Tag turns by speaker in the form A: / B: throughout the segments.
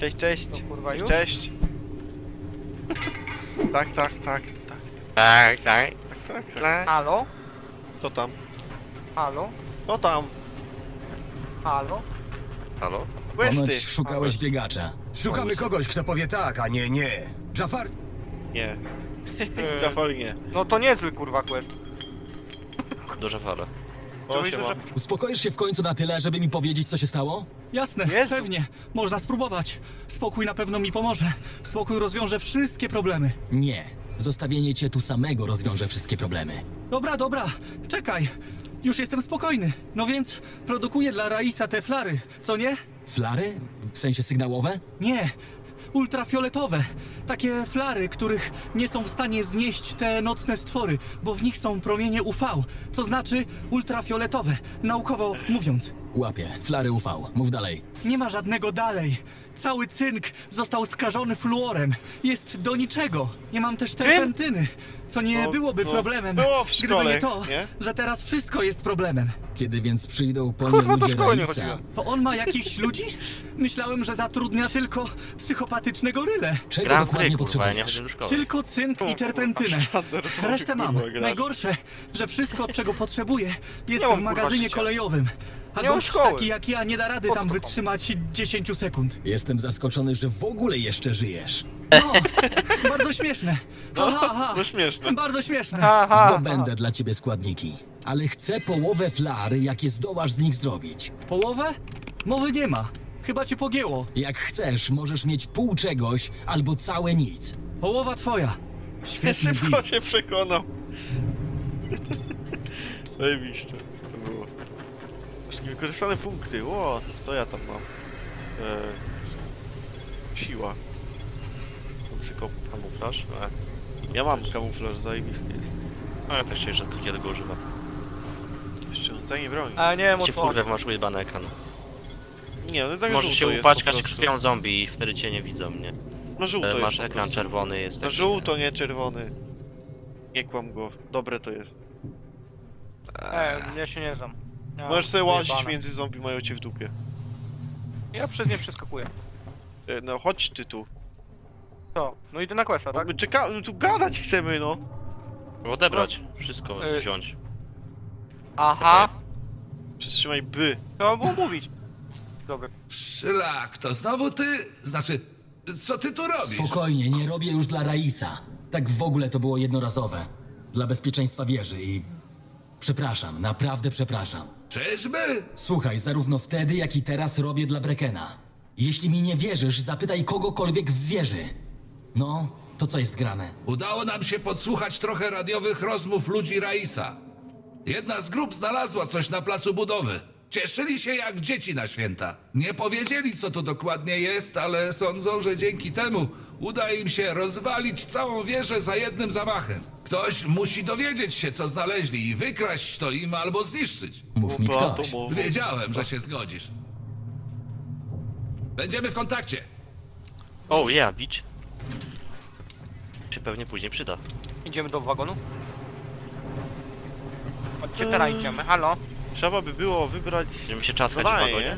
A: Cześć, cześć.
B: To kurwa już?
A: Cześć. Tak.
B: Halo?
A: To tam.
B: Halo?
A: To tam.
B: Halo?
C: Halo?
A: Questy.
D: Ponoć szukałeś biegacza.
E: Szukamy kogoś, kto powie tak, a nie nie. Jafar?
A: Nie. Jafar nie.
B: No to niezły kurwa quest.
C: Duża fala.
A: O,
B: Myślę,
A: siema.
B: że...
D: Uspokoisz się w końcu na tyle, żeby mi powiedzieć, co się stało?
F: Jasne,
B: Jezu.
F: pewnie. Można spróbować. Spokój na pewno mi pomoże. Spokój rozwiąże wszystkie problemy.
D: Nie. Zostawienie cię tu samego rozwiąże wszystkie problemy.
F: Dobra, czekaj. Już jestem spokojny. No więc produkuję dla Raisa te flary, co nie?
D: Flary? W sensie sygnałowe?
F: Nie. Ultrafioletowe. Takie flary, których nie są w stanie znieść te nocne stwory, bo w nich są promienie UV, co znaczy ultrafioletowe, naukowo mówiąc.
D: Łapie. Flary UV. Mów dalej.
F: Nie ma żadnego dalej. Cały cynk został skażony fluorem. Jest do niczego. Nie mam też terpentyny, co nie
A: No,
F: byłoby
A: no,
F: problemem,
A: było w
F: gdyby
A: szkole,
F: nie to,
A: nie?
F: że teraz wszystko jest problemem.
D: Kiedy więc przyjdą po
B: Kurwa,
D: nie
B: do
D: ludzie
B: szkoły nie
D: Raisa?
B: chodziłem.
F: To on ma jakichś ludzi? Myślałem, że zatrudnia tylko psychopatycznego rylę.
D: Czego
C: Gram w
D: dokładnie
C: gry, kurwa, ja nie
D: potrzebujesz?
C: chodzę do szkoły.
F: Tylko cynk i terpentynę.
A: Standardowy,
F: Resztę mam.
A: kurwa, gracz.
F: Najgorsze, że wszystko, czego potrzebuję, jest
B: Nie mam,
F: w
B: kurwa,
F: magazynie
B: życia.
F: kolejowym. A
B: Nie mam
F: gość
B: szkoły.
F: taki jak ja nie da rady
B: Po
F: tam
B: co
F: wytrzymać 10 sekund.
D: Jestem zaskoczony, że w ogóle jeszcze żyjesz.
F: No, bardzo śmieszne. Ha.
A: No śmieszne.
F: Bardzo śmieszne.
B: Aha.
D: Zdobędę dla ciebie składniki. Ale chcę połowę flar, jakie zdołasz z nich zrobić.
F: Połowę? Mowy nie ma. Chyba cię pogięło.
D: Jak chcesz, możesz mieć pół czegoś albo całe nic.
F: Połowa twoja. Świetny deal.
A: Szybko się przekonał. Zajebiste to było. Wszystkie wykorzystane punkty. Ło, co ja tam mam? Siła. Psyko.
C: Kamuflaż?
A: Ja mam kamuflaż, zajebisty jest.
C: No ja też się rzadko kiedy go używam.
A: Jeszcze rzucanie broni.
B: A nie wiem o
C: Cię
B: co.
C: wkurwia, masz ujebany ekran.
A: Nie, no tak
C: Możesz się
A: żółto jest po
C: upaczkać
A: prostu.
C: krwią zombie i wtedy cię nie widzą, nie?
A: No żółto jest
C: Masz
A: po
C: ekran
A: prostu.
C: czerwony, jest
A: No
C: taki,
A: żółto, nie czerwony. Nie kłam go. Dobre to jest.
B: Ja się nie znam. Ja
A: Możesz sobie łazić
B: wyjebane.
A: między zombie, mają cię w dupie.
B: Ja przez nie przeskakuję.
A: No chodź ty tu.
B: Co? No idę na questa, tak?
A: My czekamy, tu gadać chcemy, no.
C: Odebrać, wszystko
B: Y-
C: wziąć.
B: Aha.
A: Przytrzymaj by.
B: Trzeba było mówić. Dobra.
G: Szlak, to znowu ty? Znaczy, co ty tu robisz?
D: Spokojnie, nie robię już dla Raisa. Tak w ogóle to było jednorazowe. Dla bezpieczeństwa wieży i... Przepraszam, naprawdę przepraszam.
G: Czyżby?
D: Słuchaj, zarówno wtedy, jak i teraz robię dla Brekena. Jeśli mi nie wierzysz, zapytaj kogokolwiek w wieży. No, to co jest grane?
G: Udało nam się podsłuchać trochę radiowych rozmów ludzi Raisa. Jedna z grup znalazła coś na placu budowy. Cieszyli się jak dzieci na święta. Nie powiedzieli, co to dokładnie jest, ale sądzą, że dzięki temu uda im się rozwalić całą wieżę za jednym zamachem. Ktoś musi dowiedzieć się, co znaleźli i wykraść to im albo zniszczyć.
D: Mów mi
A: Bomba
D: ktoś.
A: atomowa.
G: Wiedziałem, że się zgodzisz. Będziemy w kontakcie.
C: Oh yeah, bić. Się pewnie później przyda.
B: Idziemy do wagonu? Chodźcie teraz idziemy, halo?
A: Trzeba by było wybrać
C: Będziemy się czaskać w
A: zadanie,
C: wagonie.
A: nie?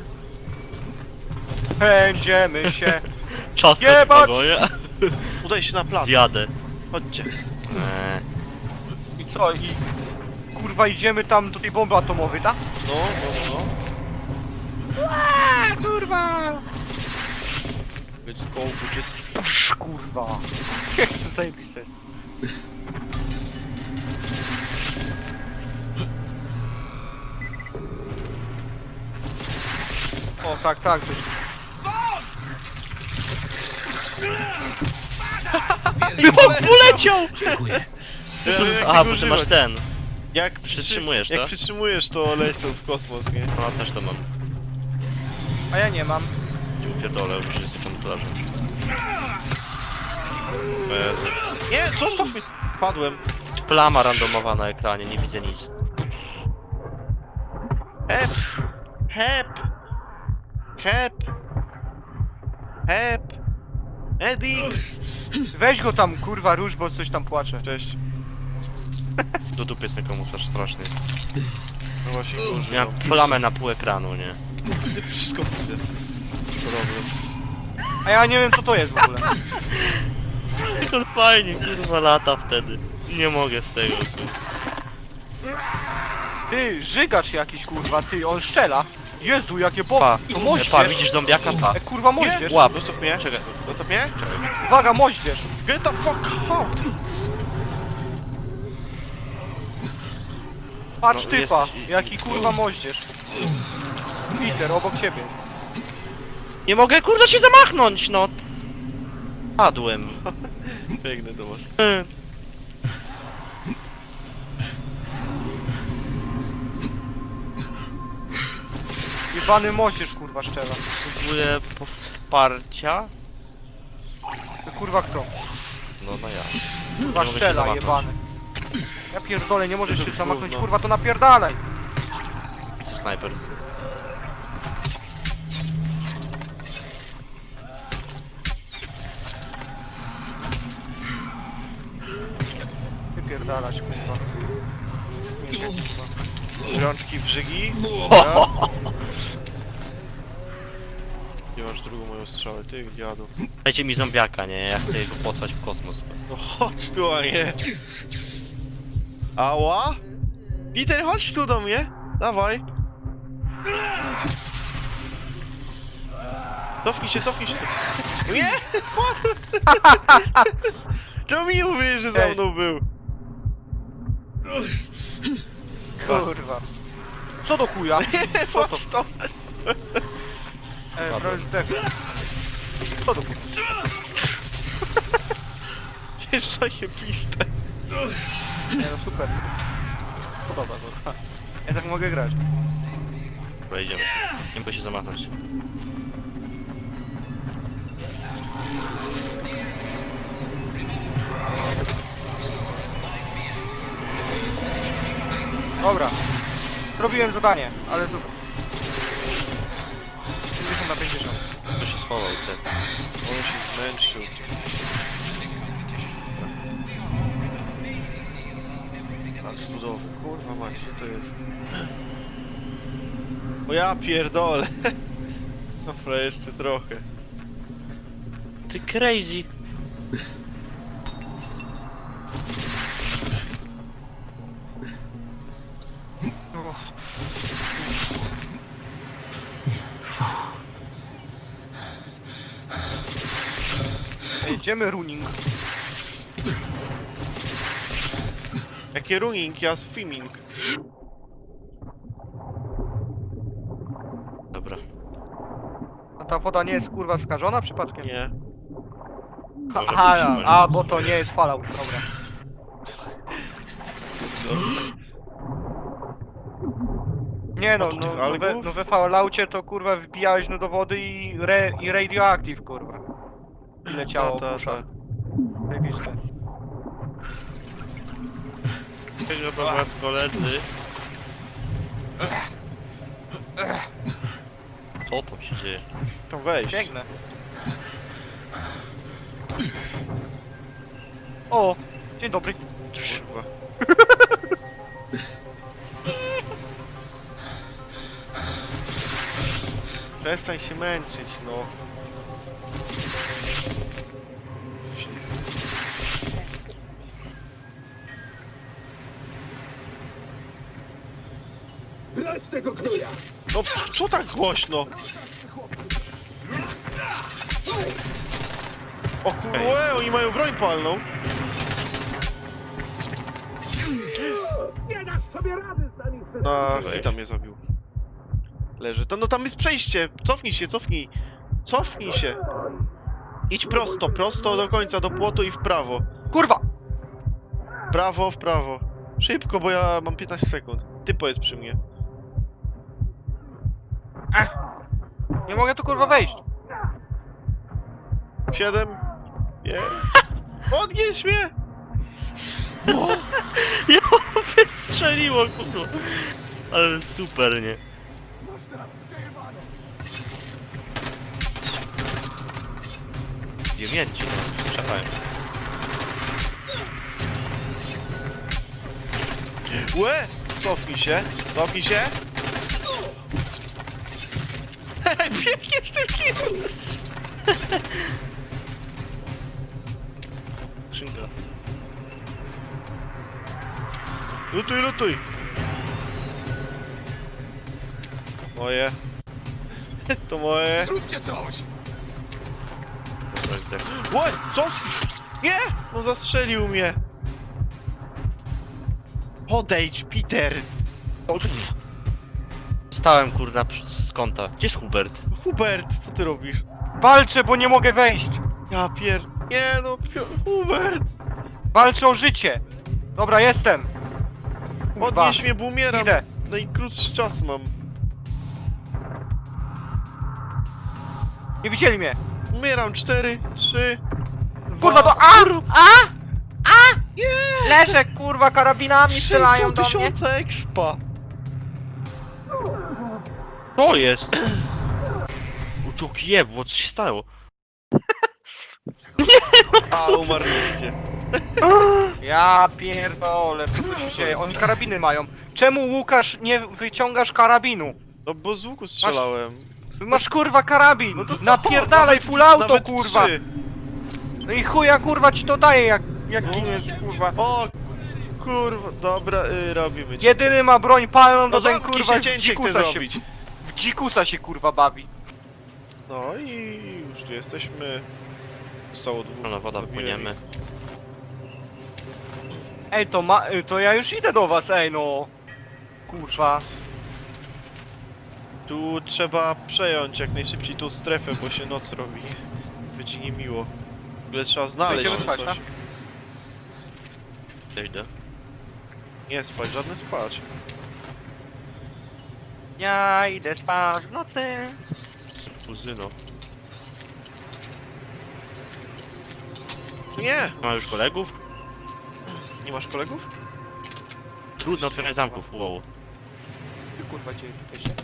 B: Będziemy się.
C: Czaskać w
B: Jebać!
C: wagonie?
A: Udaj się na plac.
C: Zjadę.
A: Chodźcie.
B: I co? I... Kurwa idziemy tam do tej bomby atomowej, tak?
A: No.
B: Kurwa!
A: Let's go, bitches.
B: Psz, kurwa. Jak to zajebiste. O, tak, być.
C: Poleciał!
D: Dziękuję.
C: Aha, bo ty masz ten.
A: Jak
C: Przytrzymujesz
A: jak
C: to?
A: przytrzymujesz, to lecą w kosmos, nie?
C: No też to mam.
B: A ja nie mam.
C: Gdzie upierdolę, już jest kamuflażem. Jezu.
A: Nie, zostaw mnie! Padłem.
C: Plama randomowa na ekranie, nie widzę nic.
A: Hep! Hep! Hep! Hep! Edik!
B: Weź go tam, kurwa, róż, bo coś tam płacze.
A: Cześć.
C: Do dupy jest ten kamuflaż straszny.
A: No właśnie,
C: Miałem plamę na pół ekranu, nie?
A: wszystko widzę. Problem.
B: A ja nie wiem co to jest w ogóle.
C: Jak on fajnie, kurwa, lata wtedy. Nie mogę z tego, kurwa.
B: Ty, żygacz jakiś kurwa, ty, on szczela. Jezu, jakie
C: Pa,
B: bomby. To moździerz.
C: pa, widzisz zombiaka? Pa.
B: Kurwa moździerz.
C: Łap.
A: Zostaw mnie.
C: Czekaj,
A: Zostaw mnie.
B: Uwaga, moździerz.
A: Get the fuck out!
B: Patrz
C: No,
B: typa,
C: jesteś-
B: jaki kurwa moździerz. Peter, obok ciebie.
C: nie mogę, kurwa, się zamachnąć, no. Padłem.
A: Biegnę do was.
B: Jebany moździerz kurwa szczela.
C: Potrzebuję wsparcia.
B: To kurwa kto?
C: No, no ja.
B: Kurwa
C: mogę się
B: szczela,
C: zamachnąć.
B: jebany. Ja pierdolę, nie możesz się zamachnąć,
A: gówno.
B: kurwa, to napierdalaj.
C: To snajper.
B: Wypierdalać, kurwa. Nie, kurwa.
A: Rączki w żygi. Dobra. Nie masz drugą moją strzałę, ty dziadu.
C: Dajcie mi zombiaka, nie? Ja chcę go posłać w kosmos.
A: No chodź tu, a nie. Ała? Peter, chodź tu do mnie. Dawaj. Cofnij się tu. Nie! Padł! Czemu mi nie mówisz, że za
B: Ej.
A: mną był?
B: Kurwa. Co do chuja?
A: Nie, patrz to!
B: Prawie zdech. Co do chuja?
A: Jest zajebiste.
B: Nie no, super. Podoba, kurwa. Ja tak mogę grać.
C: Dobra, idziemy. Nie mogę się zamachnąć.
B: Dobra. Zrobiłem zadanie, ale super. 50 na 50.
C: Kto się schował, ty?
A: On się zmęczył. A z budowy, kurwa mać, co to jest? O ja pierdolę. Dobra, jeszcze trochę.
C: Ty crazy.
B: Jedziemy running.
A: Jakie running, ja swimming.
C: Dobra.
B: A ta woda nie jest kurwa skażona przypadkiem?
A: Nie.
C: Może
B: Aha,
C: być,
B: a bo to nie jest Fallout, dobra. Nie no,
A: A tu tych
B: no
A: algów?
B: we Falloutie to kurwa wbijałeś no do wody i radioactive kurwa. I leciało
A: Ta.
B: Zajebiste.
C: Tego do was koledzy. Co tam się dzieje?
A: Tam wejść.
B: Biegnę. O! Dzień dobry.
A: Kurwa. Przestań się męczyć, no. Coś nie zmieni.
E: Brać tego knuja!
A: No co tak głośno? O kurwa, oni mają broń palną. Na hita mnie zabił. Leży. To no tam jest przejście. Cofnij się, cofnij. Cofnij się. Idź prosto do końca, do płotu i w prawo.
B: Kurwa!
A: W prawo. Szybko, bo ja mam 15 sekund. Typo jest przy mnie.
B: Nie mogę tu kurwa wejść.
A: 7. Nie. Odnieś mnie!
C: Ja wystrzeliło, kurwa. Ale super, nie? Wiemięci, no. Strzelają.
A: Łe! Cofnij się. Cofnij się. Hej, biegnie z tym kim!
C: Skrzynka.
A: Lutuj, lutuj! Moje. To moje.
E: Zróbcie coś!
C: Dobra, zdech.
A: Oj, co? Nie! No zastrzelił mnie. Podejdź, Peter.
C: Stałem kurna z kąta. Gdzie jest Hubert?
A: Hubert, co ty robisz?
B: Walczę, bo nie mogę wejść!
A: Ja Nie no, Hubert.
B: Walczę o życie! Dobra, jestem! Kurwa.
A: Podnieś mnie, bo umieram.
B: Idę.
A: Najkrótszy czas mam.
B: Nie widzieli mnie!
A: Umieram. 4, 3, 2...
B: Kurwa, to Leżę, kurwa, karabinami strzelają do mnie!
A: 3000 expa.
C: To jest! Uciąg jebło, co się stało?
A: A, umarliście.
B: Ja pierdolę, co tu się dzieje? Oni karabiny mają. Czemu, Łukasz, nie wyciągasz karabinu?
A: No bo z łuku strzelałem.
B: Masz kurwa karabin!
A: No to co?
B: Napierdalaj
A: Nawet-
B: full auto,
A: nawet
B: kurwa!
A: 3.
B: No i chuja, kurwa, ci to daje, jak giniesz, kurwa.
A: O, kurwa, dobra, robimy.
B: Jedyny ma broń palną,
A: No
B: to ten
A: zamknij
B: kurwa
A: się,
B: w
A: cięcie chcę
B: dzikusa się,
A: zrobić.
B: w dzikusa się kurwa bawi.
A: No i już tu jesteśmy. Zostało 2.
C: No woda, płyniemy.
B: Ej, to ja już idę do was, ej no. Kurwa.
A: Tu trzeba przejąć jak najszybciej tą strefę, bo się noc robi. Będzie niemiło. W ogóle trzeba znaleźć
B: Będziemy spać,
A: coś.
B: tak?
C: Idę.
A: Nie spać, żadne spać.
B: Ja idę spać w nocy.
C: Kuzyno.
A: Nie!
C: Ma już kolegów?
A: Nie masz kolegów?
C: Trudno otwierać zamków, wow.
B: Ty, kurwa, cię tutaj się.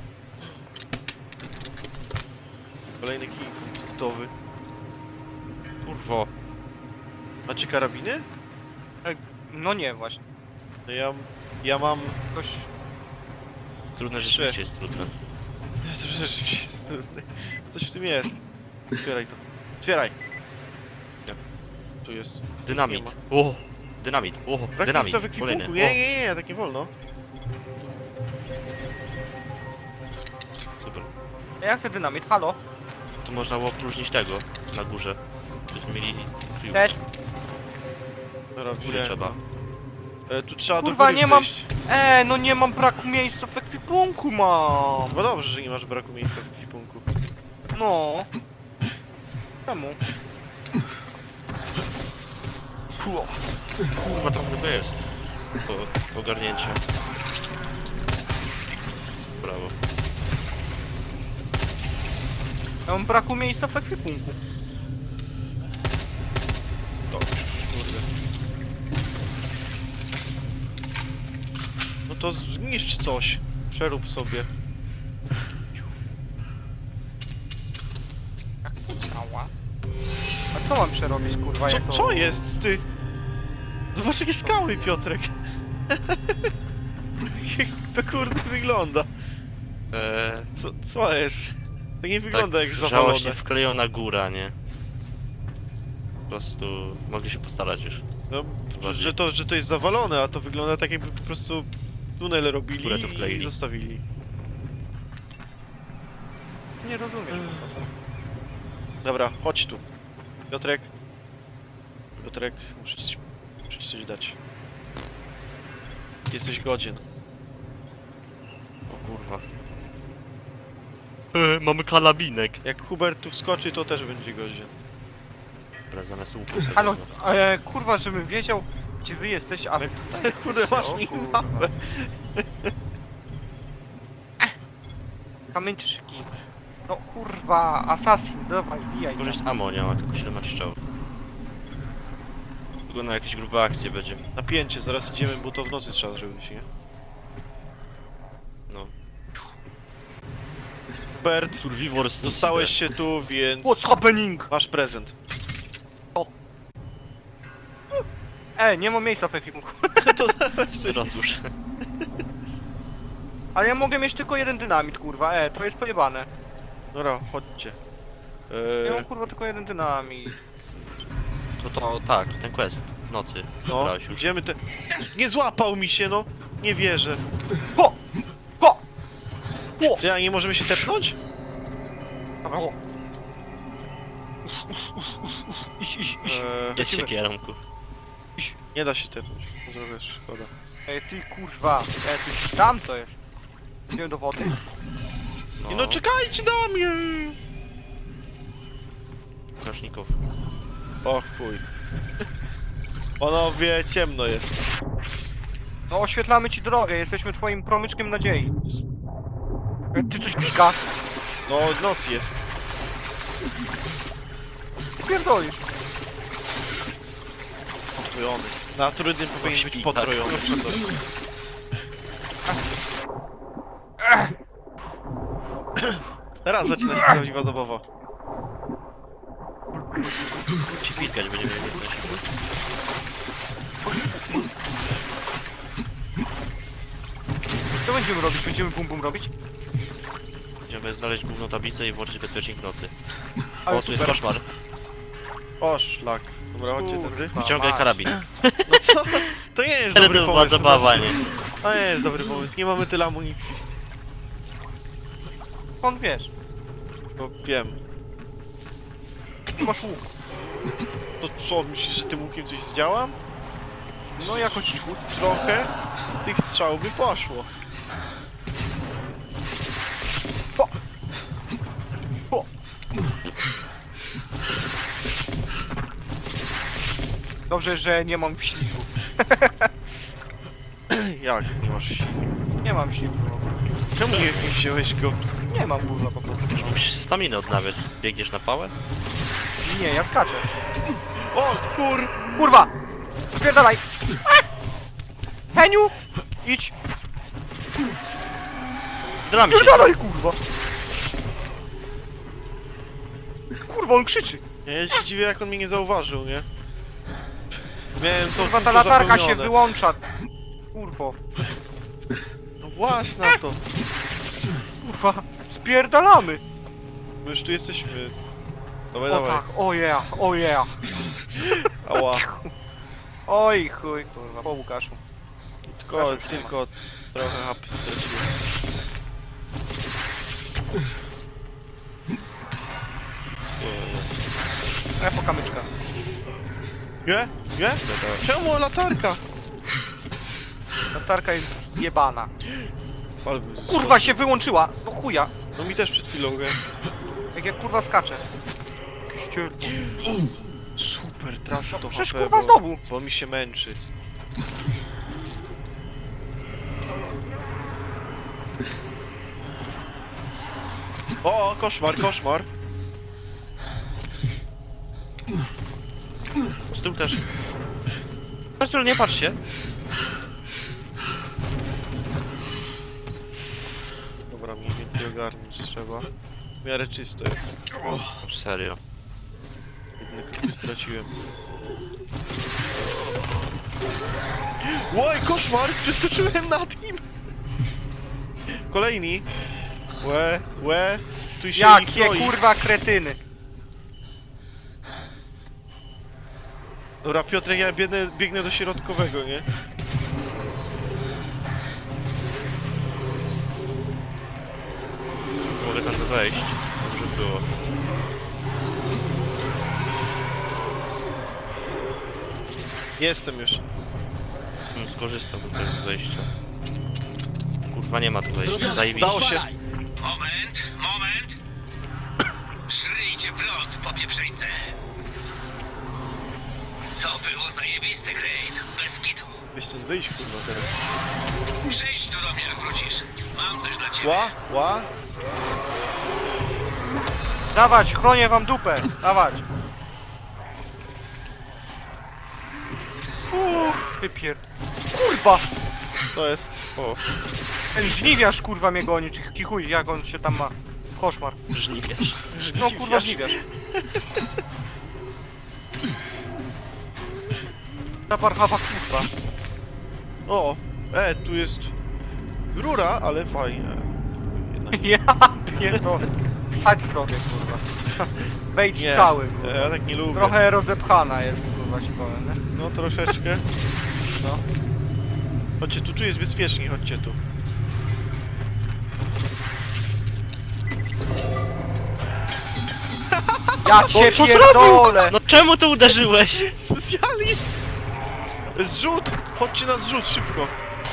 A: Kolejny kij pstowy.
C: Kurwo.
A: Macie karabiny?
B: No nie, właśnie.
A: No ja mam...
B: Ktoś...
C: Trudne, że
A: 3.
C: rzeczywiście jest trudne.
A: To rzeczywiście jest trudne. Coś w tym jest. Otwieraj to. Otwieraj!
C: Nie.
A: Tu jest.
C: Dynamit.
A: Nic
C: O! Dynamit. O!
A: nie ma. Brak
C: Dynamit.
A: miejsca w ekwipunku.
C: Kolejny.
A: Nie, tak nie wolno.
C: O, super.
B: Ja chcę dynamit, halo.
C: Tu można było opróżnić tego na górze. Byśmy mieli...
B: Też.
A: Dobra,
C: Góry
A: wziąłem.
C: trzeba.
A: Tu trzeba
B: Kurwa,
A: do góry
B: nie mam-
A: wejść.
B: No nie mam braku miejsca w ekwipunku mam.
A: No dobrze, że nie masz braku miejsca w ekwipunku.
B: No. Czemu?
C: Kurwa, tam chyba jest. Ogarnięcie. Brawo.
B: Ja mam braku miejsca w ekwipunku.
A: Dobrze, kurde. No to zniszcz coś. Przerób sobie.
B: Ała. A co mam przerobić, kurwa, jako...
A: Co jest, ty? Zobacz jakie skały, Piotrek. Jak to kurde wygląda. Co jest? To nie wygląda jak
C: wrzało
A: zawalone.
C: się wklejona góra, nie? Po prostu mogli się postarać już.
A: No,
C: Bardziej.
A: że to jest zawalone, a to wygląda tak jakby po prostu tunel robili
C: Które tu wkleili.
A: i zostawili.
B: Nie rozumiesz, kurwa.
A: Dobra, chodź tu. Piotrek. Piotrek, muszę ci coś dać. Jesteś godzien.
C: O kurwa. Mamy kalabinek.
A: Jak Hubert tu wskoczy, to też będzie godzien.
C: Dobra, zamiast łuku.
B: Halo, kurwa, żebym wiedział, gdzie wy jesteś, a wy tutaj
A: Kurde,
B: jesteście.
A: masz
B: O,
A: minimapę.
B: Kamieńczyki. No kurwa, assassin, dawaj, bijaj.
C: Może jest ammo, nie ma tylko 17 strzałów. Tylko na jakieś grube akcje będzie.
A: Napięcie, zaraz idziemy, bo to w nocy trzeba zrobić, nie?
C: No.
A: Hubert,
C: Survivors.
A: dostałeś się tu, więc
B: What's happening?
A: masz prezent.
B: Nie mam miejsca w ekwipunku.
A: To
C: Teraz już.
B: Ale ja mogę mieć tylko jeden dynamit, kurwa, to jest pojebane.
A: Dobra, chodźcie.
B: Ja mam kurwa tylko jeden dynamit.
C: To tak, ten quest w nocy.
A: No,
C: Brałeś już.
A: idziemy te... Nie złapał mi się, no! Nie wierzę.
B: Ho! Ho! Ho!
A: Ja, nie możemy się tepnąć?
B: Dobra, ho! Iść.
C: Jest
B: Lecimy.
C: siekierą, kur.
A: Nie da się tepnąć. Trochę szkoda.
B: Ej, ty kurwa. Ty tam to jest. Idziemy do wody.
A: No czekajcie na mnie!
C: Strażników.
A: O chuj. Panowie, ciemno jest.
B: No oświetlamy ci drogę, jesteśmy twoim promyczkiem nadziei. Ty coś pika?
A: No, noc jest.
B: Pierdolisz.
A: Potrojony. Na trudnym powinien być
C: śpi,
A: potrojony, czy co? Teraz zaczyna się prawdziwa zabawa.
C: Ci piskać będziemy jak jesteś.
B: Co będziemy robić? Będziemy bum bum robić?
C: Będziemy znaleźć główną tablicę i włączyć bezpiecznik w nocy.
B: Ale
C: O, tu jest
B: super.
C: koszmar.
A: O, szlak. Dobra, chodźcie tędy.
B: Kurwa,
C: Wyciągaj
B: mać.
C: karabin.
A: No co? To nie jest
C: Ale
A: dobry
C: to była
A: pomysł.
C: zabawa, nie?
A: To nie jest dobry pomysł. Nie mamy tyle amunicji.
B: Skąd wiesz?
A: No wiem.
B: Ty masz łuk.
A: To co, myślisz, że tym łukiem coś zdziałam?
B: No jako cichów.
A: Trochę tych strzał by poszło.
B: Ho! Ho! Dobrze, że nie mam ślizgu.
A: Jak? Nie masz ślizgu?
B: Nie mam ślizgu.
A: Czemu nie wziąłeś go?
B: Nie mam kurwa po prostu.
C: Musisz staminę odnawiać. Biegniesz na pałę?
B: Nie, ja skaczę.
A: O, kur...
B: Kurwa! Spierdalaj! Heniu! Idź!
C: Dram się.
B: Spierdalaj, kurwa! Kurwa, on krzyczy!
A: Ja się dziwię, jak on mnie nie zauważył, nie? Miałem to
B: Kurwa, ta
A: tylko
B: latarka się
A: zapełnione.
B: wyłącza. Kurwo.
A: No właśnie na to.
B: Kurwa, spierdalamy!
A: My już tu jesteśmy. Dawaj,
B: O
A: dawaj.
B: tak, o yeah, o yeah.
A: Ała.
B: Oj chuj, kurwa, po Łukaszu.
A: Tylko trochę hapy straciłem.
B: Po kamyczka.
A: Nie? Nie? Czemu latarka?
B: Latarka jest jebana.
A: Ale bym zyskał.
B: Kurwa się wyłączyła! No chuja!
A: No mi też przed chwilą, nie?
B: Jak ja kurwa skaczę. Jakiś cier...
A: Super, tracę to
B: przecież
A: HP,
B: kurwa znowu.
A: bo mi się męczy. O, koszmar, koszmar.
C: Z tyłu też. Zresztą nie patrz się.
A: Dobra, mniej więcej ogarnąć trzeba. W miarę czysto jest.
C: Serio.
A: Jednych hapy straciłem. Łoj, koszmar! Przeskoczyłem nad nim! Kolejni. Łe. Tu się ich
B: Jakie
A: kroi.
B: kurwa kretyny!
A: Dobra, Piotrek, ja biegnę do środkowego, nie?
C: Mogę tam wejść. Dobrze było.
A: Jestem już.
C: Skorzystam do tego wejścia. Kurwa, nie ma tu wejścia. Zajebiście.
A: Udało się.
H: Moment! Szryjcie prąd, popieprzeńce! To było zajebiste, Crane. Bez kitu.
A: Weź stąd wyjść, kurwa, teraz.
H: Przyjdź tu do mnie, jak wrócisz. Mam coś dla ciebie.
A: Ła?
B: Dawać, chronię wam dupę! Dawać! Wypierd... Kurwa!
A: To jest.
C: O,
B: Ten żniwiarz kurwa mnie goni, czy kichuj, jak on się tam ma. Koszmar.
C: żniwiarz.
B: No kurwa żniwiarz. Ta parchawa kurwa.
A: O! Tu jest... Rura, ale fajnie. Jednak
B: Ja pierdolę. Wsadź sobie kurwa. Wejdź
A: Nie,
B: cały, kurwa.
A: ja tak nie lubię.
B: Trochę rozepchana jest, kurwa, ci powiem, nie?
A: No troszeczkę.
B: Co?
A: Chodźcie, tu jest bezpiecznie, chodźcie tu.
B: Ja cię
C: co
B: pierdolę!
C: No czemu tu uderzyłeś?
A: Specjalnie! Zrzut! Chodźcie na zrzut, szybko!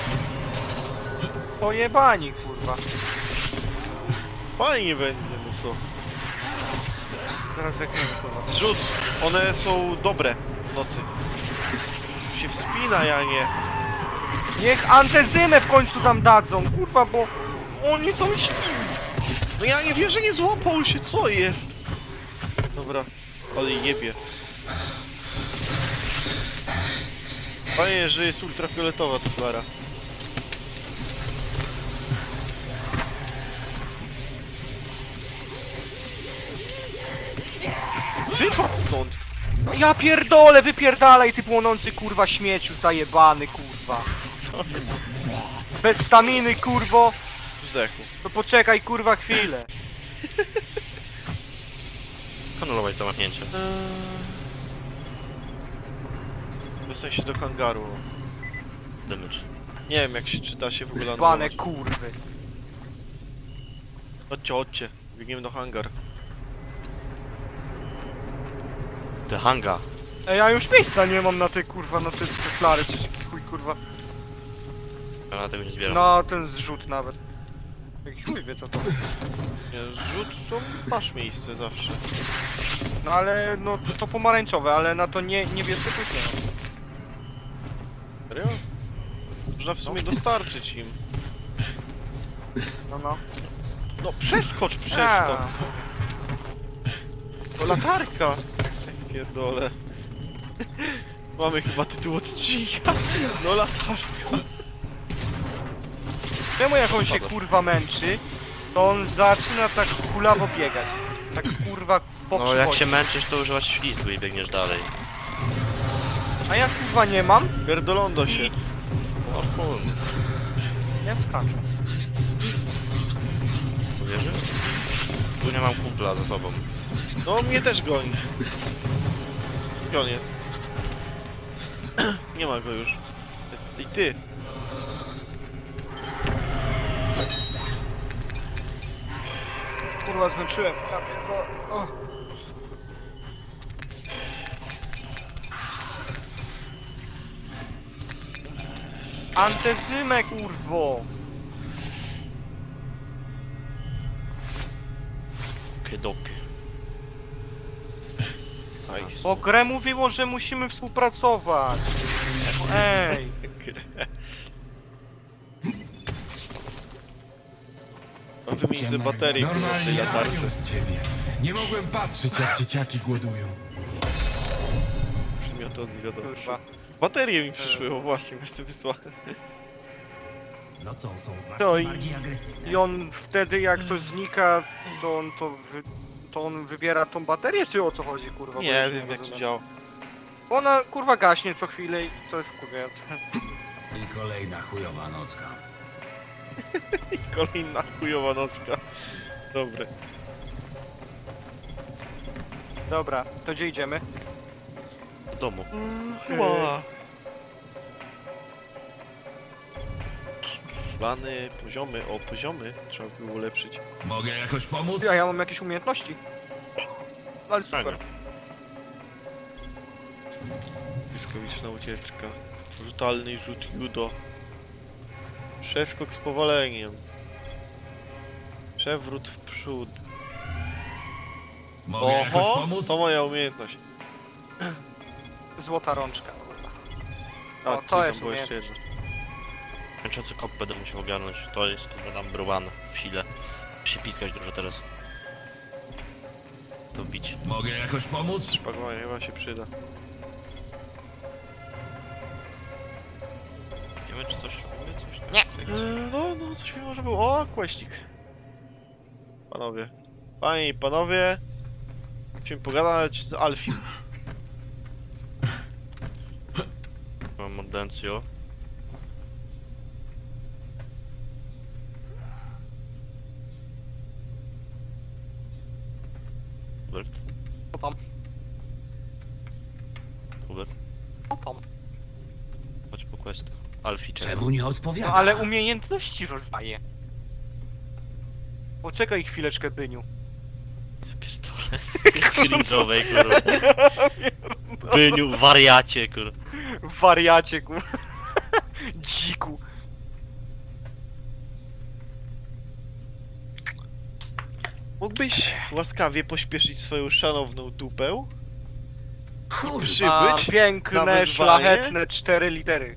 B: Pojebani, kurwa.
A: Fajnie będzie, no co?
B: Teraz jak nie wiem, kurwa.
A: Zrzut! One są dobre w nocy. Się wspina, ja nie.
B: Niech antezymę w końcu tam dadzą, kurwa, bo oni są śliwi.
A: No ja nie wierzę, nie złapał się, co jest? Dobra, ale jebie. Fajnie, że jest ultrafioletowa ta flara. Wypadł stąd!
B: Ja pierdolę, wypierdalaj ty płonący, kurwa, śmieciu zajebany, kurwa.
C: Co?
B: Bez staminy, kurwo.
A: Zdechł.
B: To poczekaj, kurwa, chwilę.
C: Anulować zamachnięcie.
A: W sensie do hangaru.
C: Damage.
A: Nie wiem, jak się czyta się w ogóle
B: Bane
A: anulować.
B: kurwy.
A: Chodźcie, chodźcie. Biegniemy do hangar.
C: The hanga.
B: Ej, ja już miejsca nie mam na te, kurwa, na te flary, czy chuj, kurwa.
C: Ja na tego nie zbieram.
B: Na ten zrzut nawet. Jak chuj wie co to.
A: Nie, zrzut to masz miejsce zawsze.
B: No ale, no to pomarańczowe, ale na to niebieskie już nie mam.
A: Serio? Można w sumie dostarczyć im.
B: No.
A: No przeskocz przez
B: A.
A: to! To latarka! Jak pierdolę. Mamy chyba tytuł odcinka. No latarka.
B: Czemu jak on się kurwa męczy, to on zaczyna tak kulawo biegać. Tak kurwa po
C: No jak się męczysz, to używasz ślizgu i biegniesz dalej.
B: A ja kurwa nie mam,
A: Pierdolondo się.
C: No chuj.
B: ja skaczę.
C: Uwierzy? Tu nie mam kumpla ze sobą.
A: No mnie też goni. Gdzie on jest? Nie ma go już. I ty.
B: Kurwa zmęczyłem. Ja pierdolę. O. Antezymę kurwo.
C: Kiedoky.
A: Nice.
B: Bo grę mówiło, że musimy współpracować. Ej.
A: Wymień sobie baterię kurwa, w tej latarce.
E: z ciebie. Nie mogłem patrzeć, jak dzieciaki głodują.
A: Przedmioty odzwiadowcze.
B: Kurwa.
A: Baterie mi przyszły, o właśnie, bez wysłane.
D: Nocą są znacznie
B: To i-
D: bardziej agresywne.
B: I on wtedy jak to znika, to on to on wybiera tą baterię, czy o co chodzi, kurwa? Bo
A: Nie
B: już
A: wiem jak to
B: rozumiem.
A: działa.
B: Ona kurwa gaśnie co chwilę i to jest wkurwiające.
D: I kolejna chujowa nocka.
A: Kolejna chujowa nocka. Dobre.
B: Dobra, to gdzie idziemy?
C: W domu.
A: Chyba. Plany, poziomy, o poziomy trzeba było ulepszyć.
G: Mogę jakoś pomóc?
B: Ja mam jakieś umiejętności. Ale super.
C: Fajnie.
A: Błyskawiczna ucieczka. Brutalny rzut judo. Przeskok z powoleniem. Przewrót w przód.
G: Mogę jakoś
A: Oho!
G: pomóc?
A: To moja umiejętność.
B: Złota rączka, kurwa.
A: A,
B: O, to
A: tu tam
B: jest
A: było jeszcze
B: umiejętność.
A: jedno.
C: Męczący kop będę musiał ogarnąć. To jest kurwa tam bruwan w sile. Musi się piskać dużo teraz. To bić.
G: Mogę jakoś pomóc?
A: Szpagowanie chyba się przyda.
C: Wiemy czy coś robimy? Coś?
B: Nie.
A: No, coś mi może było. O, kłeścik. Panowie. Panie i panowie. Musimy pogadać z Alfim.
C: Mam mordencjo. Dobra, Chodź po quest. Alfie czeka.
I: Czemu nie odpowiada?
B: No ale umiejętności rozdaje. Poczekaj chwileczkę, Byniu.
C: Pierdolę, z tej cringe'owej, kurwa. Byniu, wariacie, kurwa.
B: Wariacie, kurwa. Dziku.
A: Mógłbyś łaskawie pośpieszyć swoją szanowną dupę?
B: A,
A: Przybyć na
B: piękne,
A: wezwanie?
B: szlachetne 4 litery.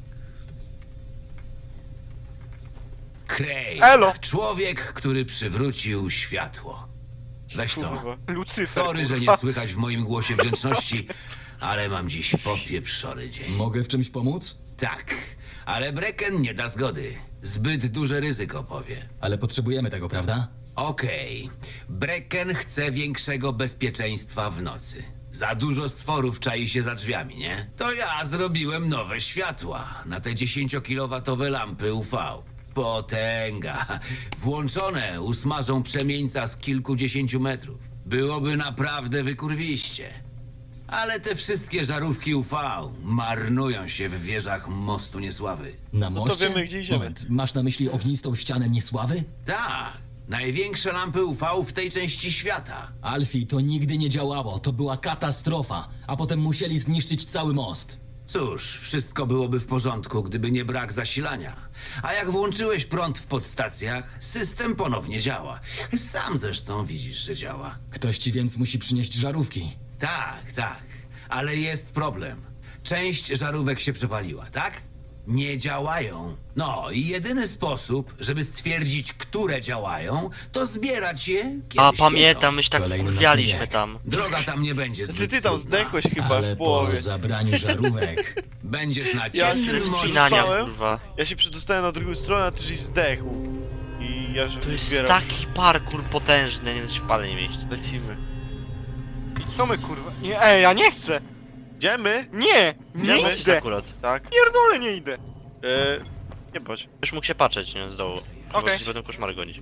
I: Krej.
B: Elo.
I: Człowiek, który przywrócił światło. Weź to.
A: Kurwa.
B: Lucyfer,
I: Sorry, że
B: kurwa.
I: nie słychać w moim głosie wdzięczności, ale mam dziś popieprzony dzień.
D: Mogę w czymś pomóc?
I: Tak, ale Brecken nie da zgody. Zbyt duże ryzyko powie.
D: Ale potrzebujemy tego, prawda?
I: Okej. Brecken chce większego bezpieczeństwa w nocy. Za dużo stworów czai się za drzwiami, nie? To ja zrobiłem nowe światła na te 10-kilowatowe lampy UV. Potęga. Włączone usmażą przemieńca z kilkudziesięciu metrów. Byłoby naprawdę wykurwiście. Ale te wszystkie żarówki UV marnują się w wieżach Mostu Niesławy.
D: Na
A: No to
D: moście?
A: wiemy, gdzie idziemy.
D: Moment, masz na myśli ognistą ścianę niesławy?
I: Tak, największe lampy UV w tej części świata.
D: Alfie, to nigdy nie działało. To była katastrofa. A potem musieli zniszczyć cały most.
I: Cóż, wszystko byłoby w porządku, gdyby nie brak zasilania. A jak włączyłeś prąd w podstacjach, system ponownie działa. Sam zresztą widzisz, że działa.
D: Ktoś ci więc musi przynieść żarówki.
I: Tak, tak, ale jest problem. Część żarówek się przepaliła, tak? Nie działają. No i jedyny sposób, żeby stwierdzić, które działają, to zbierać je, kiedy
C: A,
I: świecą.
C: pamiętam, my się tak
D: Kolejny
C: wkurwialiśmy
D: nasz bieg.
C: tam.
I: Droga tam nie będzie
A: Znaczy
I: zbyt
A: ty tam
I: trudna.
A: zdechłeś chyba
D: Ale
A: w
D: po
A: połowie.
D: zabraniu żarówek.
I: Będziesz na
A: Ja
I: ciemnym
A: się
I: morzu.
C: Wspinania,
A: Zostałem?
C: kurwa.
A: Ja się przedostałem na drugą stronę, a ty żeś zdechł. I ja się
C: To jest
A: zbieram.
C: taki parkour potężny, nie da się w pale nie mieścić.
A: Lecimy.
B: I co my, kurwa? Nie, ja nie chcę!
A: Idziemy?
B: Nie!
C: Nie
B: Nie
C: jest
B: idę!
C: akurat.
A: Tak.
B: Pierdolę, nie idę!
A: Nie bądź.
C: Już mógł się patrzeć, nie? Z dołu.
B: Okej.
C: Bo ci będą koszmary gonić.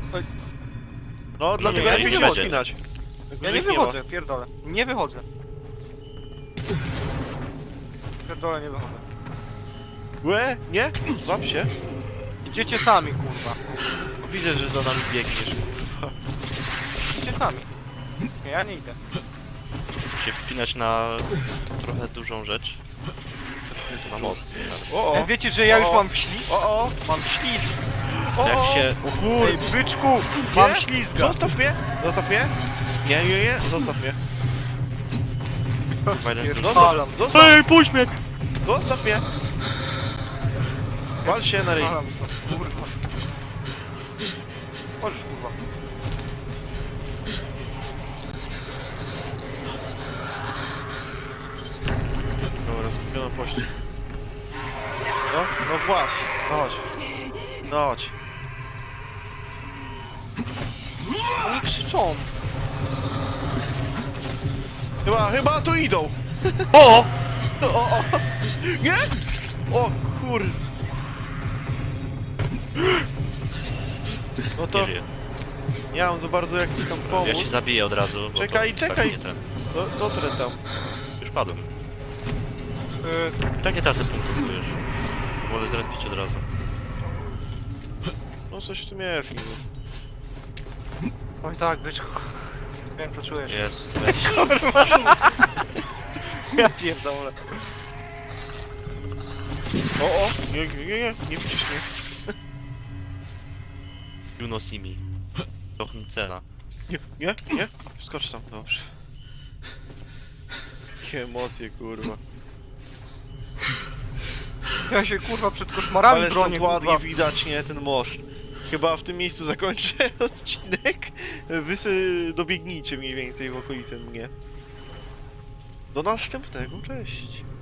A: No, dlatego
C: nie,
A: lepiej
C: nie
A: się
C: będzie.
A: wspinać.
B: Ja nie wychodzę, pierdolę. Nie wychodzę. Pierdolę, nie wychodzę.
A: Łe? Nie? Złap się.
B: Idziecie sami, kurwa.
A: Widzę, że za nami biegniesz, kurwa.
B: Idziecie sami. Nie, ja nie idę.
C: Się wspinać na trochę dużą rzecz. Na most.
A: O, o.
B: Wiecie, że ja już
A: O.
B: mam ślizg?
A: O, o.
B: Mam ślizg.
A: O,
C: Jak
A: o.
C: się...
B: Ej, byczku! Mam
A: Nie?
B: ślizga.
A: Zostaw mnie! Zostaw mnie! Nie, nie, nie, zostaw mnie.
C: Kurwa, jeden z
B: Pierdolam.
A: Zostaw!
C: Ej, puść mnie!
A: Zostaw mnie! Wal się na ryj.
B: Pierdolam stąd, kurwa. Możesz, kurwa.
A: Dobra, zgubiono pościg. No, no właśnie. No chodź. No chodź.
B: Oni krzyczą.
A: Chyba tu idą.
C: O!
A: O, o. Nie? O kur... No to
C: Nie żyje.
A: nie mam za bardzo jak ci tam
C: Ja
A: pomóc.
C: się zabiję od razu. bo
A: Czekaj,
C: to
A: czekaj.
C: Tak nie ten.
A: Dotrę tam.
C: Już padłem. Tak nie tracę punktów, wiesz. Wolę zrespić od razu.
A: No coś w tym jest. niby.
B: Oj tak, byczku. Wiem, co czujesz.
C: Jezus, weź.
B: Ja pierdolę.
A: O, nie widzisz mnie.
C: You know see me. Trochę cena.
A: Nie? Wskocz tam, dobrze. Jakie emocje, kurwa.
B: Ja się, kurwa, przed koszmarami
A: Ale
B: bronię,
A: stąd ładnie
B: kurwa.
A: widać, nie, ten most. Chyba w tym miejscu zakończę odcinek. Wy dobiegnijcie mniej więcej w okolicy mnie. Do następnego, cześć.